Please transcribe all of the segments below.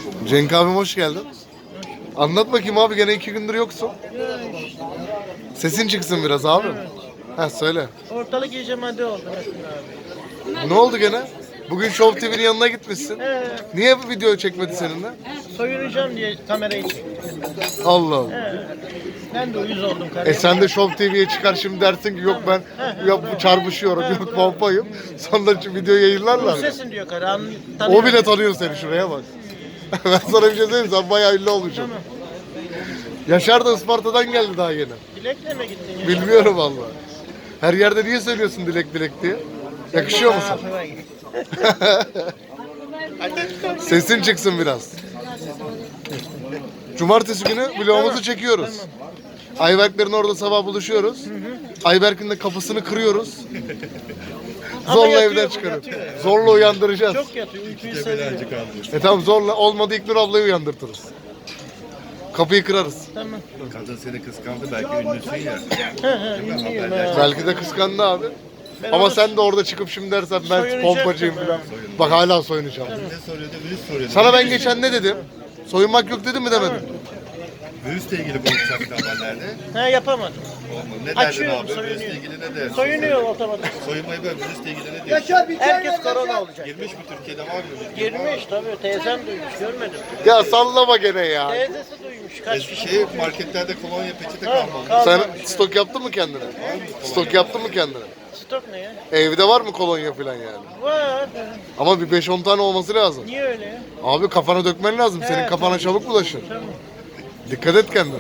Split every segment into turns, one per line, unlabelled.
Cenk abim hoş geldin. Anlat bakayım abi, gene 2 gündür yoksun. Sesin çıksın biraz abi. Ha söyle.
Ortalık iyice madde oldu Metin abi.
Ne oldu gene? Bugün Show TV'nin yanına gitmişsin. Niye bu video çekmedi seninle?
Soyunacağım diye kamerayı çektim.
Allah Allah.
Ben de uyuz oldum kardeşim.
Sen de Show TV'ye çıkar şimdi dersin ki yok ben çarpışıyorum, yok pompayım. Sonra şu video yayınlarlar.
Sesin diyor karı.
O bile tanıyor seni, şuraya bak. Ben sana bir şey söyleyeyim, sen bayağı ünlü olacaksın. Yaşar da Isparta'dan geldi daha yeni.
Dilek'le mi gittin ya?
Bilmiyorum vallahi. Her yerde niye söylüyorsun Dilek Dilek diye? Yakışıyor mu sana? Sesin çıksın biraz. Cumartesi günü vlogumuzu çekiyoruz. Ayberklerin orada sabah buluşuyoruz. Ayberk'in de kapısını kırıyoruz. Zorla
yatıyor,
evden
bu
çıkarıyoruz.
yatıyor.
Zorla uyandıracağız.
Çok yatıyor. Uykuyu seviyor.
Tamam, zorla olmadı İlknur ablayı uyandırtırız. Kapıyı kırarız.
Tamam.
Kadın seni kıskandı, belki ünlüsün ya.
Ünlüyüm ha.
Belki de kıskandı abi.
Ben
Ama
onu
sen de orada çıkıp şimdi dersen ben
soyunacaktım
pompacıyım
ben.
falan. Bak hala soyunacağım.
Ne soruyordu? Virüs soruyordu.
Sana ben geçen ne dedim? Soyunmak yok dedim mi demedim?
Virüsle ilgili konuşacaktı haberlerde.
Ha yapamadım.
Olmadı. Ne derdin
Açıyorum,
abi?
soyunuyor.
Virüsle ilgili ne derdin?
Soyunuyor otomatik.
Soyunmayı böyle virüsle ilgili ne diyorsun?
Herkes korona olacak.
Girmiş mi Türkiye'de, var mı?
Girmiş tabii. Teyzem duymuş. Görmedim.
Ya sallama gene ya.
Teyzesi duymuş. Kaç kişi?
Şey, marketlerde kolonya peçete
Ha,
kalmamış.
Sen
kalmamış.
stok yaptın mı kendine? Stok yaptın mı kendine?
Stok ne ya?
Evde var mı kolonya falan yani?
Var.
Ama bir 5-10 tane olması lazım.
Niye öyle ya?
Abi kafana dökmen lazım. Senin
Evet,
kafana çabuk bulaşır.
Tamam.
Dikkat et kendine.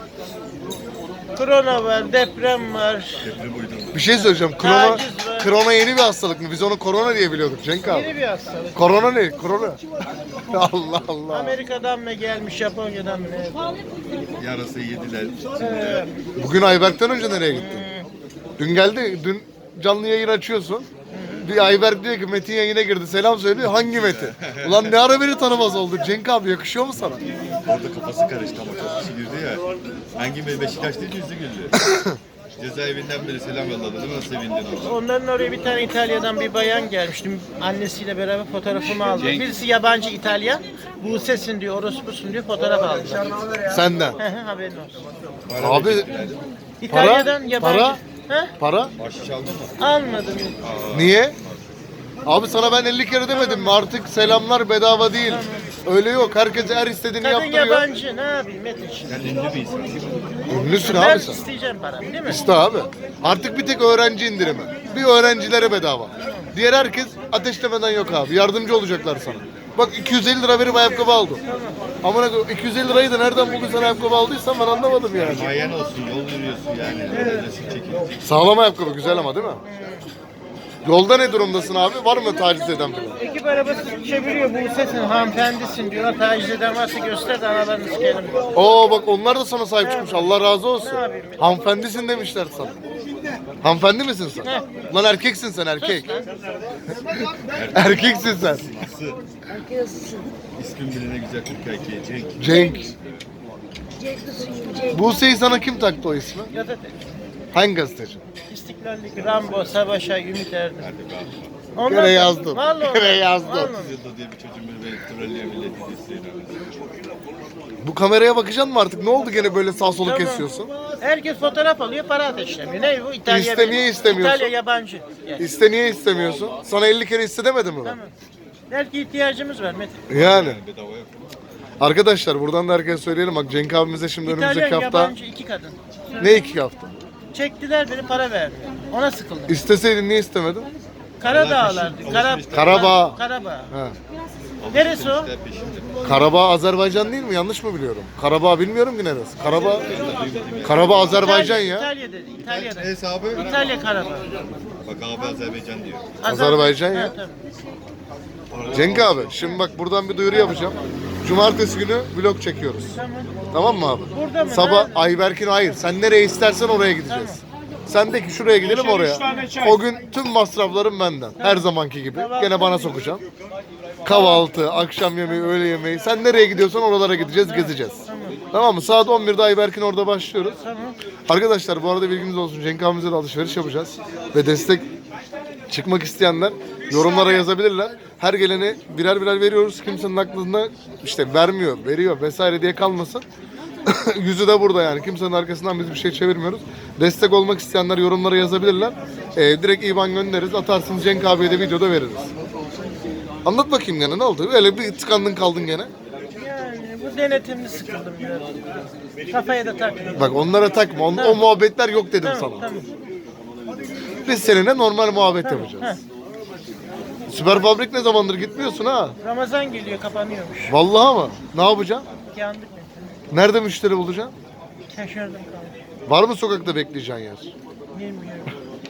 Korona var, deprem var.
Deprem uydurdu.
Bir şey söyleyeceğim. Korona,
Taciz var.
korona yeni bir hastalık mı? Biz onu korona diye biliyorduk Cenk abi.
Yeni bir hastalık.
Korona ne? Korona. Allah Allah.
Amerika'dan mı gelmiş, Japonya'dan mı ne?
Yarası yediler.
Bugün Ayberk'ten önce nereye gittin? Dün geldi. Dün canlı yayın açıyorsun. Bir Ayberk diyor ki Metin yayına girdi. Selam söylüyor. Hangi Metin? Ulan ne ara beni tanımaz oldu? Cenk abi yakışıyor mu sana?
Orada kafası karıştı ama çok kişi girdi ya. Hangi biri Beşiktaş değil, yüzü güldü. Cezaevinden beri selam yolladı değil mi? Nasıl sevindin orada?
Onların oraya bir tane İtalya'dan bir bayan gelmişti. Annesiyle beraber fotoğrafımı aldı. Birisi yabancı İtalyan. Buse'sin diyor, orospusun diyor, fotoğraf aldılar.
Senden.
Haberin olsun.
Abi
İtalya'dan yabancı.
para?
He?
Para?
Başı çaldı mı?
Almadım.
Niye? Abi sana ben 50 kere demedim mi? Artık selamlar bedava değil. Öyle yok. Herkes her istediğini
Kadın
yaptırıyor.
yabancı, ne yapayım Metin?
Sen ünlü bir insan.
Ünlüsün
Ben
abi sen.
isteyeceğim paramı değil mi?
İşte abi. Artık bir tek öğrenci indirimi. Bir öğrencilere bedava. Diğer herkes ateşlemeden yok abi. Yardımcı olacaklar sana. Bak 250 lira verip ayakkabı aldım. Ama 250 lirayı da nereden bugün sana ayakkabı aldıysan ben anlamadım yani.
Mayen olsun, yol yürüyorsun yani. Resim çekiyorsun.
Sağlam ayakkabı güzel ama değil mi? Yolda ne durumdasın abi? Var mı taciz eden falan?
Ekip arabası çeviriyor, Buse'sin, hanımefendisin diyorlar. Taciz eden varsa göster de analarını sikelim.
Oo bak onlar da sana sahip çıkmış. Allah razı olsun.
Ne yapayım?
Hanımefendisin demişler sana. Hanımefendi misin sen?
Heh.
Lan erkeksin sen erkek. Erkeksin sen.
Nasıl? İsmin bile ne güzel Türk erkeği. Cenk.
Cenk. Buse'yi sana kim taktı o ismi?
Gazete.
Hangi gazeteci?
İstiklallik, Rambo, Savaş'a, Ümit Erdem.
Gene yazdım.
Vallahi.
Gene yazdım.
Vallahi.
Yılda diye bir çocuğun beni trollüyor milleti isteyen.
Bu kameraya bakacaksın mı artık? Ne oldu gene böyle sağ solu
Tamam.
kesiyorsun?
Herkes fotoğraf alıyor, para ateşlemiyor. Ne bu? İtalya.
İste, niye istemiyorsun?
İtalya yabancı. Yani.
İste niye istemiyorsun? Sana 50 kere iste demedim mi ben?
Tamam. Belki ihtiyacımız var Metin.
Yani.
Bedava yok.
Arkadaşlar buradan da herkese söyleyelim. Bak Cenk abimize şimdi
İtalyan
önümüzdeki hafta...
yabancı iki kadın.
Ne 2 hafta?
Çektiler beni, para vermiyor. Ona sıkıldım.
İsteseydin niye istemedin?
Karadağlardı.
Karabağ.
Karabağ.
Ha.
Neresi o?
Peşinde.
Karabağ Azerbaycan değil mi? Yanlış mı biliyorum? Karabağ bilmiyorum ki neresi. Karabağ Azerbaycan ya.
İtalya dedi. İtalya'da.
Hesabı.
İtalya Karabağ.
Bak abi Azerbaycan diyor.
Azerbaycan ya.
Ha, tabii.
Cenk abi şimdi bak buradan bir duyuru yapacağım. Cumartesi günü vlog çekiyoruz.
Tamam.
Tamam mı abi?
Burada mı?
Sabah
Nerede?
Ayberk'in hayır. Sen nereye istersen oraya gideceğiz. Sen de ki şuraya gidelim oraya. O gün tüm masraflarım benden. Her zamanki gibi. Gene bana sokacaksın. Kahvaltı, akşam yemeği, öğle yemeği. Sen nereye gidiyorsan oralara gideceğiz, gezeceğiz. Tamam mı? Saat 11'de Ayberk'in orada başlıyoruz. Arkadaşlar bu arada bilginiz olsun. Cenk abimize de alışveriş yapacağız. Ve destek Çıkmak isteyenler yorumlara yazabilirler. Her gelene birer birer veriyoruz. Kimsenin aklında işte vermiyor, veriyor vesaire diye kalmasın. Yüzü de burada yani. Kimsenin arkasından biz bir şey çevirmiyoruz. Destek olmak isteyenler yorumlara yazabilirler. Direkt IBAN göndeririz. Atarsınız, Cenk abiye de videoda veririz. Anlat bakayım gene ne oldu? Öyle bir tıkandın kaldın gene.
Yani bu denetimli sıkıldım biraz. Kafaya da takmıyorum.
Bak onlara takma. O muhabbetler yok dedim sana.
Tamam.
Biz seninle normal muhabbet
Heh.
yapacağız. Süper Fabrik ne zamandır gitmiyorsun ha?
Ramazan geliyor, kapanıyormuş.
Vallahi mı? Ne yapacaksın?
Yandık mı?
Nerede müşteri bulacaksın?
Şaşırdım kaldım.
Var mı sokakta bekleyeceğin yer?
Bilmiyorum.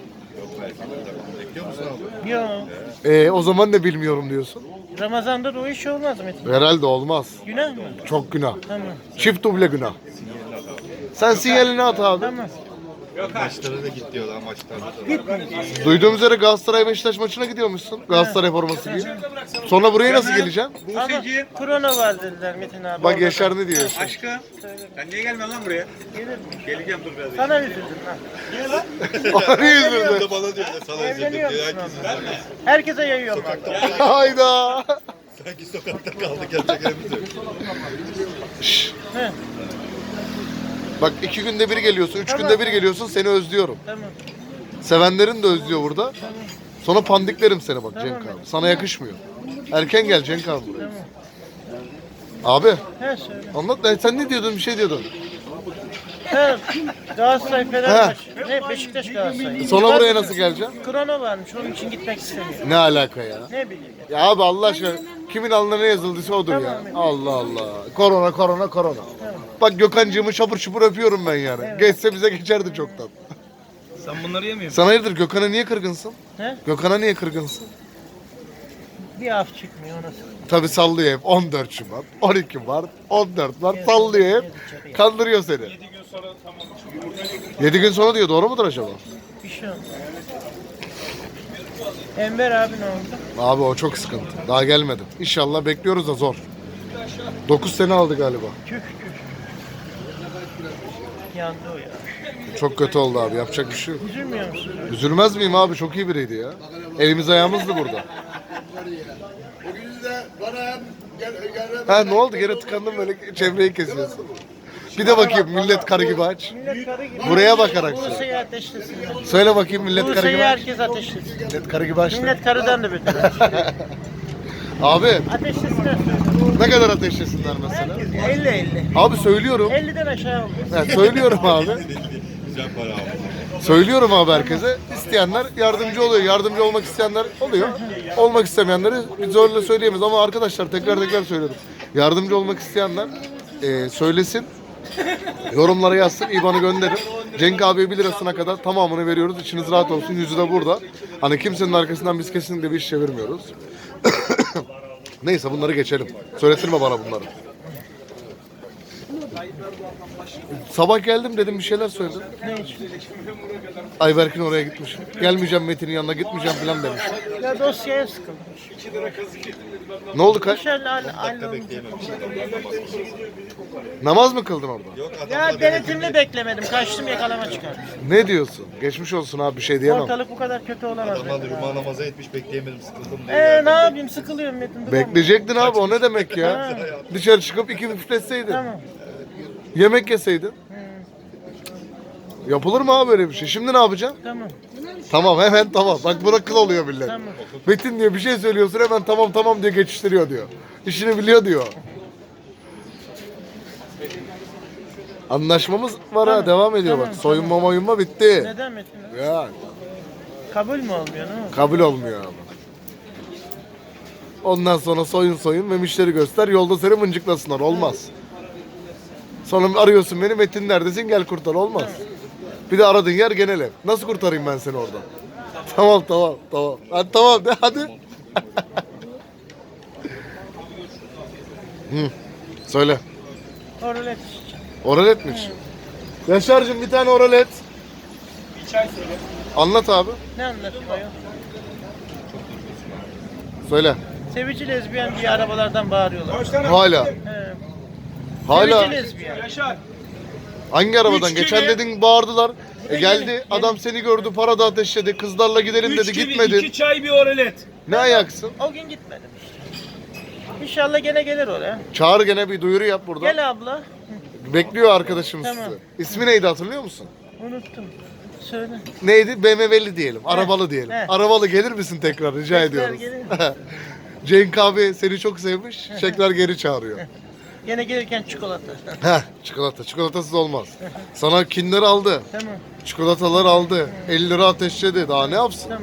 Bekliyor musun abi?
Yok.
O zaman ne bilmiyorum diyorsun.
Ramazan'da da o iş olmaz Metin.
Herhalde olmaz.
Günah mı?
Çok günah.
Tamam.
Çift duble günah. Sen sinyalini at abi.
Tamam.
Maçlara da git diyorlar maçlara.
Gitmeyeceğiz.
Duyduğum üzere Galatasaray Beşiktaş maçına gidiyormuşsun. Galatasaray forması giy. Sonra buraya nasıl geleceksin?
Ama korona var dediler Metin abi.
Bak
orada.
Yaşar ne diyor?
Aşkım, sen niye gelmiyorsun lan buraya?
Gelir mi?
Geleceğim dur biraz.
Sana üzüldüm lan.
Bana yüzürdü.
Da bana diyor da sana üzüldüm
Evleniyor
diyor.
musun
Herkes
onunla? Herkese yayıyorum ben.
Hayda.
sanki sokakta kaldık yapacak yerimiz yok.
He,
Bak 2 günde bir geliyorsun, 3
Tamam.
günde bir geliyorsun, seni özlüyorum.
tamam.
Sevenlerin de özlüyor burada. Sonra pandiklerim seni bak
Tamam.
Cenk abi. Sana yakışmıyor. Erken gel Cenk abi buraya.
Tamam.
Abi
He söyle.
anlat. Sen ne diyordun? Bir şey diyordun.
He, Galatasaray Fenerbahçe. Ne Beşiktaş Galatasaray.
Sonra
Var
buraya
mı?
nasıl geleceksin?
Korona varmış, onun için gitmek istemiyorum.
Ne alaka ya?
Ne bileyim.
Ya abi Allah aşkına kimin alnına ne yazıldıysa odur ya.
Tamam.
Allah Allah. Korona korona korona. Bak Gökhan'cığımı şapur şupur öpüyorum ben yani. Geçse bize geçerdi çoktan.
Sen bunları yemiyor
Sen hayırdır Gökhan'a niye kırgınsın?
He?
Gökhan'a niye kırgınsın?
Bir af çıkmıyor ona.
Tabi sallıyor hep 14 Şubat, 12 Mart, 14 Mart sallıyor hep. Kandırıyor seni. 7 gün sonra diyor, doğru mudur acaba?
Bir şey olmaz. Enver abi ne oldu?
Abi o çok sıkıntı. Daha gelmedi. İnşallah bekliyoruz da zor. 9 sene aldı galiba.
Tüh tüh. Yandı o ya.
Çok kötü oldu abi. Yapacak bir şey yok.
Üzülmüyor musun?
Üzülmez miyim abi? Çok iyi biriydi ya. Elimiz ayağımızdı burada. Ha ne oldu? Gene tıkandım böyle çevreyi kesiyorsun. Bir de bakayım millet karı gibi aç.
Millet karı gibi.
Buraya bakarak söyle.
Bursa'yı ateşlesinler.
Söyle bakayım millet karı
Bursa'yı
gibi aç.
herkes ateşlesin.
Millet karı gibi aç.
Millet karıdan da beter.
Abi
Ateşlesinler.
ne kadar ateşlesinler mesela?
50-50.
Abi söylüyorum.
50'den aşağı olmaz.
Ha, söylüyorum abi.
Güzel para abi.
Söylüyorum abi herkese. İsteyenler yardımcı oluyor. Yardımcı olmak isteyenler oluyor. Olmak istemeyenleri biz öyle söyleyemeyiz. Ama arkadaşlar tekrar söylüyorum. Yardımcı olmak isteyenler söylesin. Yorumlara yazsın. İBAN'ı gönderin. Cenk abiye 1 lirasına kadar tamamını veriyoruz. İçiniz rahat olsun. Yüzü de burada. Hani kimsenin arkasından biz kesinlikle bir iş çevirmiyoruz. Neyse bunları geçelim. Söyletirme bana bunları. Sabah geldim dedim bir şeyler söyledim.
Ne için?
Ayberk'in oraya gitmiş. Gelmeyeceğim Metin'in yanına gitmeyeceğim falan demiş.
Ya dosyaya sıkılmış.
Ne oldu kaç?
Dışarı
Dakika bekleyememişiz.
Namaz mı kıldın orada?
Yok
Ya
adamlar
denetimli beklemedim. Kaçtım yakalama çıkarmış.
Ne diyorsun? Geçmiş olsun abi bir şey diyemem.
Ortalık bu kadar kötü olamaz.
adamlar
Metin abi.
cuma namazı etmiş bekleyemedim sıkıldım diye.
Ne yapayım, sıkılıyorum Metin. duramıyorum.
Bekleyecektin abi o ne demek ya? Dışarı çıkıp 2 müfletseydin.
Tamam.
Yemek yeseydin. Yapılır mı abi böyle bir şey? Şimdi ne yapacaksın?
Tamam.
Tamam hemen tamam. Bak buna kıl oluyor millet.
Tamam.
Metin diyor bir şey söylüyorsun hemen tamam diye geçiştiriyor diyor. İşini biliyor diyor. Anlaşmamız var ha devam ediyor bak. Soyunma moyunma bitti.
Neden Metin abi?
Ya
Kabul mü olmuyor ne oldu?
kabul olmuyor abi. Ondan sonra soyun ve müşteri göster yolda seni mıncıklasınlar olmaz. Sonra arıyorsun beni Metin neredesin gel kurtar olmaz. Bir de aradığın yer genel ev. Nasıl kurtarayım ben seni oradan? Tamam. Hadi tamam de hadi. Söyle.
Oralet içeceğim.
Oralet mi içiyorsun? Yaşar'cığım bir tane oralet.
Bir çay söyle.
Anlat abi.
Ne anlatıyor ayol?
Söyle.
Sevici lezbiyen diye arabalardan bağırıyorlar.
Hala.
He.
Hala.
Sevici lezbiyen.
Yaşar.
Hangi arabadan?
Üç
Geçen
kere-
dedin bağırdılar. Geldi adam seni gördü, para da ateşledi, kızlarla gidelim dedi,
3 gibi
gitmedin.
2 çay bir oralet.
Ne ayaksın?
O gün gitmedim işte. İnşallah gene gelir oraya.
Çağır gene bir duyuru yap burada.
Gel abla.
Bekliyor arkadaşımız
Tamam.
sizi. İsmi neydi hatırlıyor musun?
Unuttum. Söyle.
Neydi? BMW'li diyelim, arabalı diyelim.
he.
Arabalı gelir misin tekrar rica
Tekrar
ediyoruz.
gelirim.
Cenk abi seni çok sevmiş, tekrar geri çağırıyor.
Gene gelirken çikolata.
Heh, çikolata. Çikolatasız olmaz. Sana Kinder aldı.
Tamam.
Çikolatalar aldı. 50 lira ateşledi. Daha ne yapsın?
Tamam.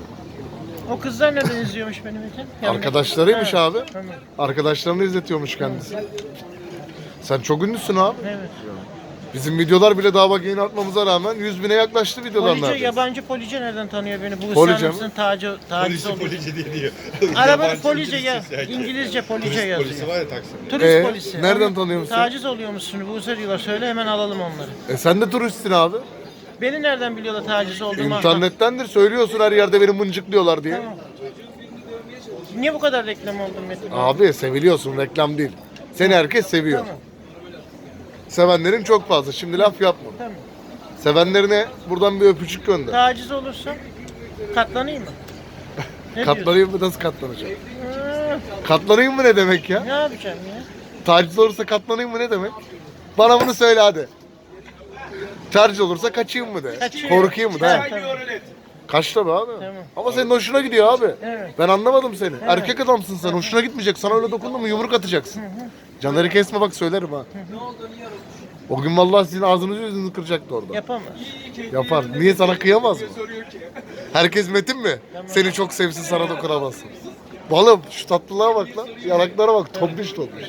O kızlar neden izliyormuş benim için? Yani-
Arkadaşlarıymış
Ha,
abi.
Tamam.
Arkadaşlarını izletiyormuş kendisi. Sen çok ünlüsün abi.
Evet.
Bizim videolar bile daha bak yeni atmamıza rağmen 100 bine yaklaştı videolar
Police,
neredeyse.
yabancı police nereden tanıyor beni? Bu
Police
Hüsnü
mi?
taciz oldu.
Polisi diye diyor.
Arabada
Yabancı
police ya.
İngilizce sanki.
İngilizce police
Turist
yazıyor.
polisi var ya Taksim'de.
Turist polisi.
nereden
Ama
tanıyor musun?
Taciz oluyormuşsun. Buse diyorlar. Söyle hemen alalım onları.
Sen de turistsin abi.
Beni nereden biliyorlar taciz olduğumu?
İnternettendir söylüyorsun her yerde beni mıncıklıyorlar diye.
Tamam. Niye bu kadar reklam oldun Metin?
Abi seviliyorsun reklam değil. Seni herkes seviyor.
Tamam.
Sevenlerin çok fazla. Şimdi laf yapma.
Tamam.
Sevenlerine buradan bir öpücük gönder.
Taciz olursa katlanayım mı? Ne
Katlanayım mı? Nasıl katlanacağım?
diyorsun?
Katlanayım mı ne demek ya?
Ne yapacağım ya?
Taciz olursa katlanayım mı ne demek? Bana bunu söyle hadi. Taciz olursa kaçayım mı de.
Kaçayım.
Korkayım mı de.
Evet.
He.
Çay bir oralet.
Kaç tabii abi.
Tamam.
Ama senin hoşuna gidiyor abi.
Evet.
Ben anlamadım seni. Erkek adamsın sen. Hoşuna gitmeyecek. Sana öyle dokundun mu yumruk atacaksın. Canları kesme bak söylerim ha. O gün vallahi sizin ağzınızı yüzünüzü kıracaktı orada.
Yapamaz.
Yapar. Niye sana kıyamaz mı? Herkes Metin mi? Seni çok sevsin sana dokunamazsın. Balım şu tatlılığa bak lan. Yanaklara bak. Tombiş tombiş.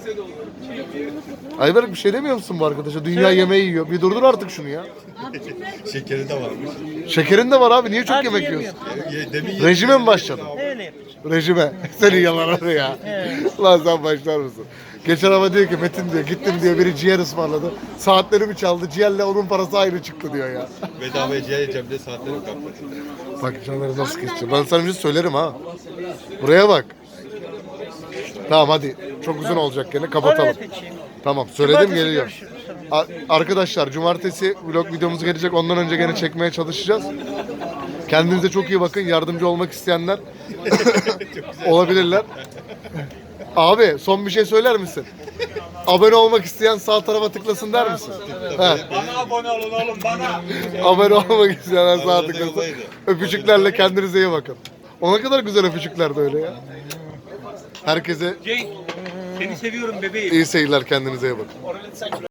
Ayberk bir şey demiyor musun bu arkadaşa? Dünya yemeği yiyor. Bir durdur artık şunu ya.
Şekeri de varmış.
Şekerin de var abi. Niye çok
Artık
yemek
yemiyorum.
yiyorsun?
Demin
Rejime mi başladın?
Öyle yapacağım.
Rejime. Senin yalanları ya.
Evet.
Lan sen başlar mısın? Geçen ama diyor ki Metin diyor gittim diyor biri ciğer ısmarladı. Saatlerimi çaldı. Ciğerle onun parası ayrı çıktı diyor ya.
bedavaya ciğer yiyeceğim diye saatlerim kalktı.
Bak canları nasıl keseceğim. Ben sana bir şey söylerim ha. Buraya bak. Tamam hadi. Çok uzun olacak gene kapatalım.
Oraya geçeyim.
Tamam söyledim
Cumartesi
geliyor.
görüşürüz. Tamam.
Arkadaşlar cumartesi vlog videomuz gelecek. Ondan önce gene çekmeye çalışacağız. Kendinize çok iyi bakın. Yardımcı olmak isteyenler olabilirler. Abi son bir şey söyler misin? Abone olmak isteyen sağ tarafa tıklasın der misin? He.
Bana abone olun oğlum bana.
Abone olmak isteyenler sağ
Arada
tıklasın.
yoldaydı.
Öpücüklerle kendinize iyi bakın. Ona kadar güzel öpücükler de öyle ya. Herkese
Cenk seni seviyorum bebeğim.
iyi seyirler, kendinize iyi bakın.